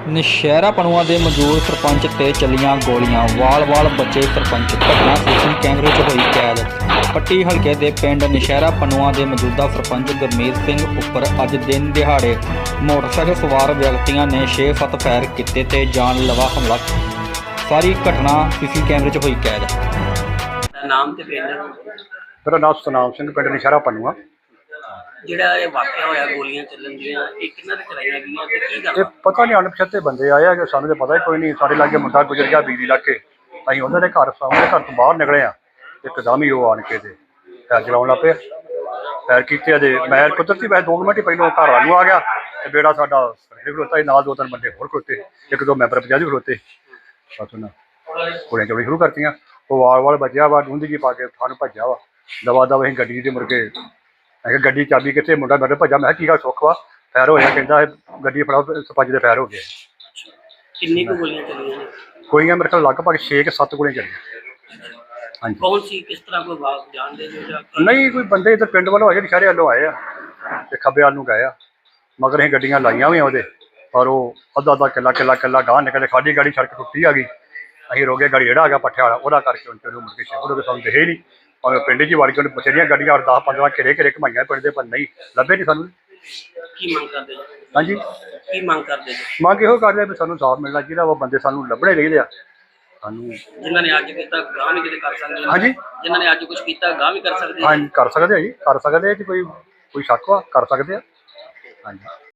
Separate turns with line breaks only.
ਨੌਸ਼ਹਿਰਾ ਪਨੂਆ ਦੇ ਮੌਜੂਦ ਸਰਪੰਚ ਤੇ ਚੱਲੀਆਂ ਗੋਲੀਆਂ, ਵਾਲ-ਵਾਲ ਬਚੇ ਸਰਪੰਚ। ਘਟਨਾ ਸੀਸੀਟੀਵੀ ਕੈਮਰੇ 'ਚ ਹੋਈ ਕੈਦ। ਪੱਟੀ ਹਲਕੇ ਦੇ ਪਿੰਡ ਨੌਸ਼ਹਿਰਾ ਪਨੂਆ ਦੇ ਮੌਜੂਦਾ ਸਰਪੰਚ ਗੁਰਮੀਤ ਸਿੰਘ ਉੱਪਰ ਅੱਜ ਦਿਨ ਦਿਹਾੜੇ ਮੋਟਰਸਾਈਕਲ ਸਵਾਰ ਵਿਅਕਤੀਆਂ ਨੇ 6-7 ਫਾਇਰ ਕੀਤੇ ਤੇ ਜਾਨਲੇਵਾ ਹਮਲਾ। ਸਾਰੀ ਘਟਨਾ ਸੀਸੀਟੀਵੀ ਕੈਮਰੇ 'ਚ ਹੋਈ ਕੈਦ।
ਨਾਮ ਤੇ ਪਿੰਡ
ਮੇਰਾ ਨਾਮ ਸਤਨਾਮ ਸਿੰਘ, ਪਿੰਡ ਨੌਸ਼ਹਿਰਾ ਪਨੂਆ।
ਜਿਹੜਾ ਇਹ ਵਾਕਿਆ ਹੋਇਆ ਗੋਲੀਆਂ ਚੱਲਣ ਦੀਆਂ, ਇਹ ਕਿੰਨਾਂ ਨੇ ਚਲਾਈਆਂ ਗਈਆਂ ਤੇ ਕੀ
ਇਹ
ਗੱਲ?
ਪਤਾ ਨਹੀਂ ਅਣਪਛਾਤੇ ਬੰਦੇ ਆਏ ਆ ਕਿ ਸਾਨੂੰ ਤਾਂ ਪਤਾ ਹੀ ਕੋਈ ਨਹੀਂ। ਸਾਡੇ ਲਾਗੇ ਮੁੰਡਾ ਗੁਜ਼ਰ ਗਿਆ ਬਿਜਲੀ ਲੱਗ ਕੇ। ਅਸੀਂ ਉਹਨਾਂ ਦੇ ਘਰ ਸਾਹਮਣੇ ਘਰ ਤੋਂ ਬਾਹਰ ਨਿਕਲੇ ਆ, ਇੱਕਦਮ ਹੀ ਉਹ ਆਣ ਕੇ ਤੇ ਫੈਰ ਚਲਾਉਣ ਲੱਗ ਪਏ। ਫੈਰ ਕੀਤੇ ਅਜੇ ਮੈਂ ਕੁਦਰਤੀ ਮੈਂ 2 ਮਿੰਟ ਹੀ ਪਹਿਲਾਂ ਘਰ ਵੱਲ ਨੂੰ ਆ ਗਿਆ ਤੇ ਬੇੜਾ ਸਾਡਾ ਖਲੋਤਾ ਸੀ, ਨਾਲ 2-3 ਬੰਦੇ ਹੋਰ ਖਲੋਤੇ, 1-2 ਮੈਂਬਰ ਪੰਚਾਇਤ ਵੀ ਖਲੋਤੇ। ਬਸ ਉਹਨਾਂ ਗੋਲੀਆਂ ਚਲਾਉਣੀ ਸ਼ੁਰੂ ਕਰਤੀਆਂ। ਉਹ ਵਾਲ ਬਚਿਆ ਵਾ, ਡੂੰਦੀ ਜੀ ਪਾ ਕੇ ਸਾਨੂੰ ਭੱਜਿਆ ਵਾ। ਦਵਾ ਦਵਾ ਅਸੀਂ ਗੱਡੀ ਦੇ ਮੁੜ ਕੇ ਮੈਂ ਕਿਹਾ ਗੱਡੀ ਚਾਬੀ ਕਿੱਥੇ? ਮੁੰਡਾ ਮੇਰੇ ਭੱਜਾ। ਮੈਂ ਕਿਹਾ ਕੀ ਗੱਲ ਸੁੱਖ ਵਾ? ਫੈਰ ਹੋਇਆ। ਕਹਿੰਦਾ ਗੱਡੀ ਫੜਾਓ, ਸਰਪੰਚ ਦੇ ਫੈਰ ਹੋ ਗਏ।
ਕਿੰਨੀ ਕੁ ਗੋਲੀਆਂ ਚੱਲੀਆਂ ਨੇ?
ਗੋਲੀਆਂ ਮੇਰੇ ਕੋਲ ਲਗਭਗ 6-7 ਗੋਲੀਆਂ ਚੱਲੀਆਂ। ਹਾਂਜੀ।
ਕੌਣ ਸੀ, ਕਿਸ ਤਰ੍ਹਾਂ ਕੋਈ ਬਾਤ ਜਾਣਦੇ ਜੋ ਜਾਂ
ਨਹੀਂ, ਕੋਈ ਬੰਦੇ ਇੱਧਰ ਪਿੰਡ ਵੱਲੋਂ ਆਏ, ਨੌਸ਼ਹਿਰੇ ਵੱਲੋਂ ਆਏ ਆ ਤੇ ਖੱਬੇ ਵੱਲ ਨੂੰ ਗਏ ਆ। ਮਗਰ ਅਸੀਂ ਗੱਡੀਆਂ ਲਾਈਆਂ ਵੀ ਉਹਦੇ, ਪਰ ਉਹ ਅੱਧਾ ਕਿੱਲਾ ਗਾਂਹ ਨਿਕਲੇ। ਸਾਡੀ ਗਾੜੀ ਸੜਕ ਟੁੱਟੀ ਆ ਗਈ। ਅਸੀਂ ਰੋਗੇ ਗਾੜੀ ਜਿਹੜਾ ਆ ਗਿਆ ਪੱਠਿਆ ਵਾਲਾ, ਉਹਦਾ ਕਰਕੇ ਉਹਨੂੰ ਮੁੜ ਕੇ ਉਹਦੇ ਸਾਨੂੰ ਦਿਖੇ ਹੀ ਨਹੀਂ। ਭਾਵੇਂ ਪਿੰਡ 'ਚ ਵੜ ਕੇ ਉਹਨੇ ਬਥੇਰੀਆਂ ਗੱਡੀਆਂ 10-15 ਘੇਰੇ ਘਮਾਈਆਂ ਪਿੰਡ ਦੇ, ਪਰ ਨਹੀਂ ਲੱਭੇ ਨਹੀਂ ਸਾਨੂੰ।
ਕੀ ਮੰਗ ਕਰਦੇ ਜੀ?
ਹਾਂਜੀ,
ਕੀ ਮੰਗ ਕਰਦੇ ਜੀ?
ਮੰਗ ਇਹੋ ਕਰਦੇ ਵੀ ਸਾਨੂੰ ਸਾਫ਼ ਮਿਲਣਾ ਚਾਹੀਦਾ ਵਾ। ਬੰਦੇ ਸਾਨੂੰ ਲੱਭਣੇ ਚਾਹੀਦੇ ਆ ਸਾਨੂੰ।
ਜਿਨ੍ਹਾਂ ਨੇ ਅੱਜ ਕੀਤਾ ਗਾਂਹ ਵੀ ਕਿਤੇ ਕਰ ਸਕਦੇ ਨੇ?
ਹਾਂਜੀ,
ਜਿਨ੍ਹਾਂ ਨੇ ਅੱਜ ਕੁਝ ਕੀਤਾ ਗਾਂਹ ਵੀ ਕਰ ਸਕਦੇ ਨੇ?
ਹਾਂਜੀ ਕਰ ਸਕਦੇ ਆ ਜੀ, ਕਰ ਸਕਦੇ ਆ ਜੀ। ਕੋਈ ਸ਼ੱਕ ਵਾ, ਕਰ ਸਕਦੇ ਆ। ਹਾਂਜੀ।